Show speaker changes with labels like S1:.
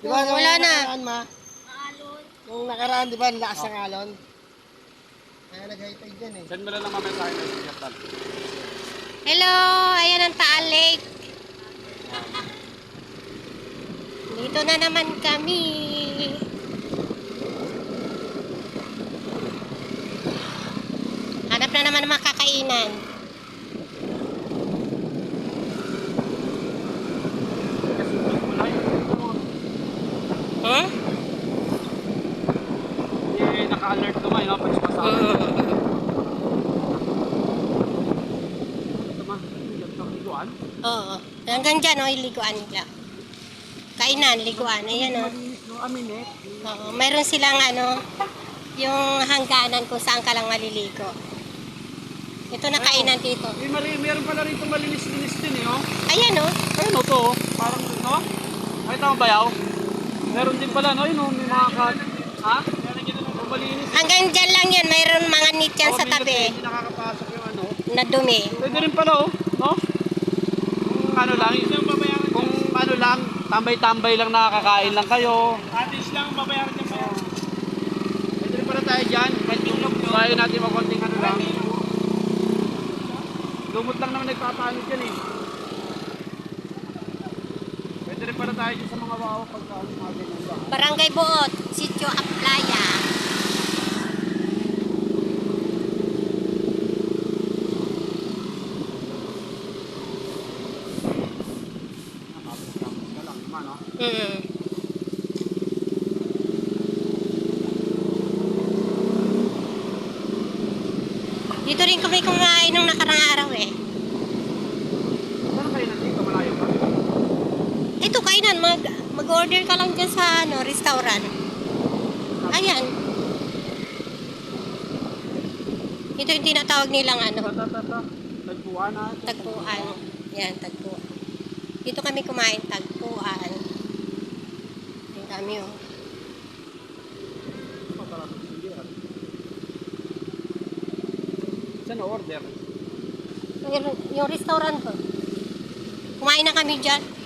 S1: Di ba nung
S2: Wala na.
S1: nakaraan, ma? Nung nakaraan, di ba, ang lakas ng alon? Kaya nag-high-tide dyan eh.
S3: Send mo lang mamaya sa akin ng sigatal.
S2: Hello, ayan ang Taal Lake. Dito na naman kami. Hanap na naman ng makakainan. Huh?
S3: Eh, naka-alert naman, no? Pag sumasama. Liguan?
S2: Oo. Hanggang dyan, oh, iliguan nila. Kainan, liguan. Ayan, oh. Oo. Mayroon silang, yung hangganan kung saan ka lang maliligo. Ito na kainan dito.
S3: Eh, meron pala rito malinis-linis din, eh, oh.
S2: Ayan, oh.
S3: Ayun, oh, to, oh. Parang, no? Ay, tama ba, yaw? Meron din pala, no? Yun, oh, may mga ha? Oh, malinis.
S2: Hanggang dyan lang yun. Mayroon mga nit yan sa tabi.
S3: Hindi nakakapasok yung ano.
S2: Na dumi.
S3: Pwede rin pala, oh. No? Kung ano lang, kung ano lang, tambay-tambay lang nakakakain lang kayo. Atis lang, babayaran niya pa. Pwede rin pala tayo dyan. Kahit yung kaya natin makonting ano lang. Lumot lang naman nagpapaano dyan eh. Pwede rin pala tayo dyan sa mga wow pagka mga ganyan ba.
S2: Barangay Buot, Sitio Aplaya.
S3: Tapos ka lang naman, no?
S2: Dito rin kami kumain nung nakarang araw eh.
S3: Saan kayo nandito? Malayo pa?
S2: Ito kainan, mag-order ka lang dyan sa restaurant. Ayan. Ito yung tinatawag nilang
S3: Tagpuan na.
S2: tagpuan. Yan, tagpuan. Dito kami kumain, tagpuan. Ang dami oh.
S3: Saan na order?
S2: Yung restaurant ko. Kumain na kami dyan.